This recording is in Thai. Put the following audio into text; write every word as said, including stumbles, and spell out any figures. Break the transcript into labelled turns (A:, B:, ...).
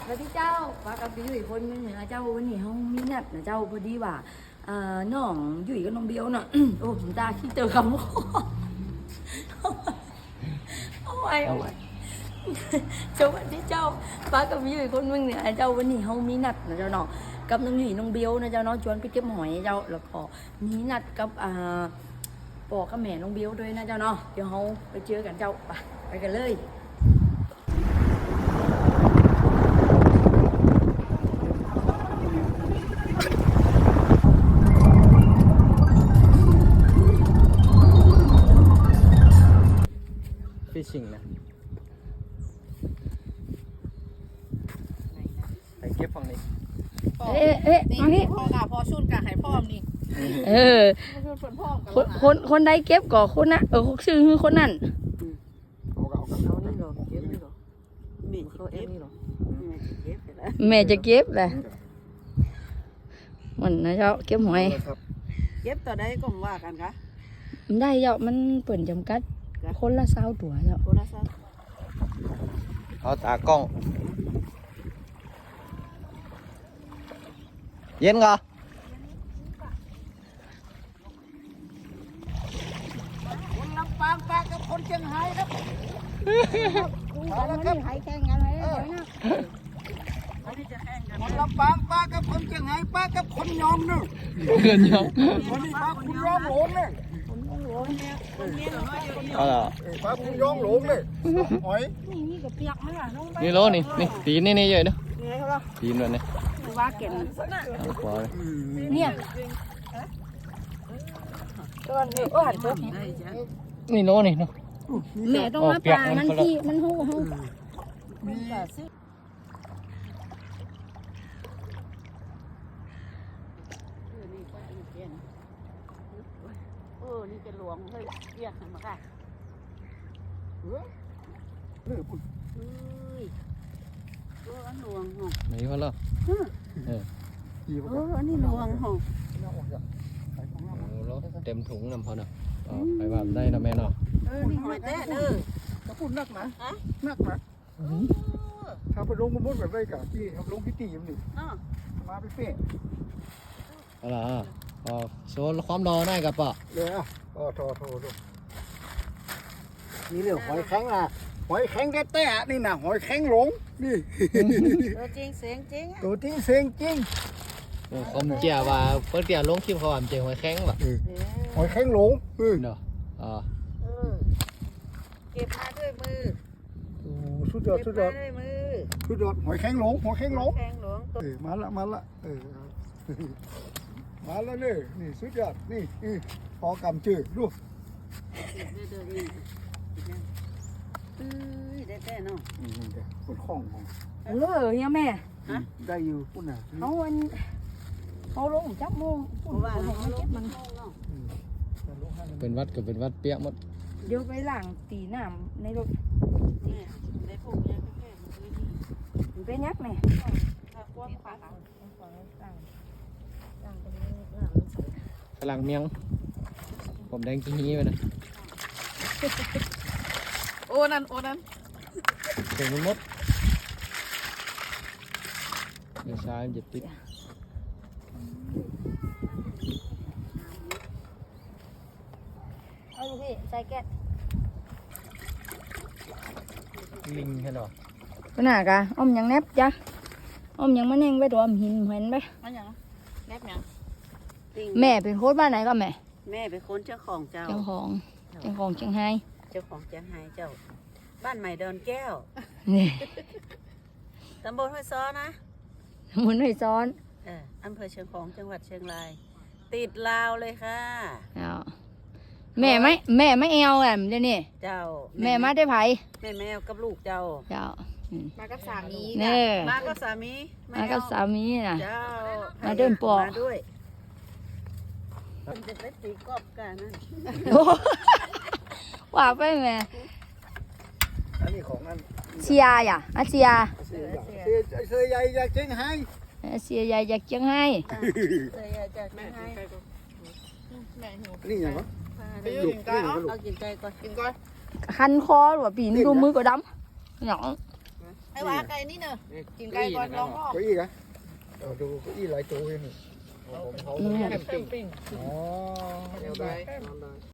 A: แล้วที่เจ้าว่ากับพี่อยู่อีกคนนึงเนี่ยเจ้าวันนี้เขามีนัดนะเจ้าพอดีว่าเอ่อน้องอยู่กับน้องเบลเนาะ โอ้ผมตาขี้เจอคำว่าเอาไว้เอาไว้เจ้าวันที่เจ้าว่ากับพี่อยู่อีกคนนึงเนี่ยเจ้าวันนี้เขามีนัดนะเจ้าเนาะกับน้องอยู่น้องเบลนะเจ้าเนาะชวนไปเก็บหอยเจ้าแล้วก็มีนัดกับอ่าปอกับแม่น้องเบลด้วยนะเจ้าเนาะเดี๋ยวเขาไปเจอกันเจ้าไปไปกันเลย
B: ฟิชชิ่งนะไปเก็บฝั่งนี้
A: เอ๊ะเอ๊ะเอานี่
C: พ่อกะพอชุดกะให้พ่อมนี่
A: เออ
C: ชุดฝนพ่อม
A: คนคนคนใดเก็บก่อคนนะเออชื่อคือคนนั้น
B: เอาเอาเอา
C: เอานี่หรอเก็บนี่หรอมีเขาเอ็มนี่หรอเก็บแล้ว
A: แม่จะเก็บแหละมันนะเจ้าเก็บหอย
C: เก็บต่อได้ก็ว่ากันกะ
A: มันได้เจ้ามันเปิ่นจำกัดคนละเศร้าตัวเจ้า
C: โทรศัพท์
B: เอาตากล้อง เย็นก่อ
C: คนลำปางปลากับคนเชียงรายครับ
A: เอาละครับหายแข่งกันเลยนะ
C: อันนี้จะแข่งกัน
D: คนลำปางป้ากับคนเชียงรายป้ากับคนยองนึง
B: เกินยอง
D: คนนี้ป้าคุณยองหลงเลย
B: เอาละ
D: ป้าคุณยองหลงเลยหอย
A: นี่นี่กับเปียกไหมล่ะน้องใบ
B: นี่โลนี่นี่ตีนนี่นี่เยอะเนาะ
C: ไงเขาล่ะ
B: ตีนด้วยนี่
A: ว่าเก่ง
B: เอาขวาเลย
A: เนี่ยตัวนี้โอ้หันตัว
B: นี่โลนี่เนาะ
A: แม่ต้องมาปลามันที่มันหูหู
D: มี
C: เออนี่จะหลวงเฮ้ยเรียกมาค่ะ
D: เลือปุ่น
C: เฮ้ยเอออันหลวงหง
B: นี่พอแล้วเออ
D: กี่
C: เอออันนี้หลวงหง
B: เอาโลเต็มถุงนำพอเนาะเอาไปว่าได้นะแม่เนาะ
C: เออนี่หอยแต้เด้อ
D: ถ้าปุ่นนักนะนักนะถ้าไปลงมันมุดแบบไรกะที่ลงพิธีมันนี่
C: เนาะ
D: มาไปเป๊ะ
B: เอาล่ะเอาโซนความรอได้กับปะ
D: เลยอ่ะอ๋อโทโทโทนี่เรื่องหอยแข็งนะหอยแข็งแต้ๆนี่นะหอยแข็งหลงนี่
C: เออจริงเสียงจริง
D: ตัวจริงเสียงจริง
B: โอ้คอมเจียว่าเพิ่นเตียลงคลิปเขาว่ามันเจ๋งไว้แข้งว่ะ
D: หอยแข็งหลงเออ
B: เนาะอ่า
C: เออเก็บมาด้วยมือ
D: โอ้สุดยอด
C: เก็
D: สุ
C: บ
D: ดยอ
C: มา
D: ด
C: ด้วยมือ
D: สุดยอดหอยแข็งหลงหอยแข็งหลง
C: แข้งหลวงตัว
D: เออมาละมาละเออมาแล้วเนี่ยนี่สุดยอดนี่นี่พอกำจืดดู
C: เด้อเด้อนี่เอ้ยได้แต่เนาะ
D: นี่นี่เดี๋ยวคนคล้องของ
A: เออเนี่ยแม่
D: ได้อยู่ปุ่นน่ะ
A: เขาวันเขาลงจับโมง
C: เพราะว่า
A: เขา
C: เขา
A: เก็บมัน
B: เป็นวัดก็เป็นวัดเปียกหมด
A: เดี๋ยวไปหลังตีน้ำในรถ
C: เนี่ยได้พวกเนี้ยแค่มันคือนี่
A: ไปยักแม่
C: ถ้าความขวา
B: ฝรั่งเมียงผมแดงกี้นี้ไปนะ
C: โอ้นั่นโอ้นั่น
B: ถึงมันหมดเดี๋ยวช้าจะติด
A: เอาลูกพี่ใส่แก๊ส
B: ลิงใช่หรอ
A: ไปหน้ากะอ้อมยังแนบจ้ะอ้อมยังมาแน่งไว้ตัวอ้อมหินเห็นไหม
C: มันยังแนบยัง
A: แม่เป็นโค้ชบ้านไหนก็แม่
C: แม่เป็นคนเจ้าของเจ้า
A: เจ้าของเจ้าของเชียงไฮ้
C: เจ้าของเจียงไฮ้เจ้า บ้านใหม่ดอนแก้ว
A: นี่
C: ตำบลห้วยซ้อนะ
A: หมุนให้ซ้อน
C: เอออำเภอเชียงของจังหวัดเชียงราย ติดลาวเลยค่ะ
A: เอาแม่ไม่แม่ไม่เอาแอมเดี๋ยวนี้
C: เจ้า
A: แม่มาได้ไผ
C: แม่แมวกับลูกเจ้า
A: เจ้าอืม
C: มากับสามี
A: เน่
C: มากับสามี
A: มากับสามีน่ะ
C: เจ้า
A: มาเดินปอก
C: มาด้วยมันจะไปตีกอบกันนั่น
A: โอ้ว่าไปแม่
D: อันนี้ของอัน
A: เชียร์อ่ะอาเชียร์
D: เสียเสียเสียใหญ่อยากเจ๊งให้
A: อาเชียร์ใหญ่อยากเชียงไฮ้
C: เคยจะแม่ให้
D: นี่อย่างวะ
C: ไปอยู่กินไก่เอากินไก่ก่อนกินก่อน
A: คันคอหรือว่าปีนดูมือก็ดำหยอง
C: ไอ้ว่าไก่นี่เนอะกินไก่ก่อนลองรอบ
D: เก้าอี้กันเออดูเก้าอี้หลายตัวเลยนี่ผมเขา
B: แคมปิ้ง
D: อ๋อ
B: เดี๋ยวได้นอนได้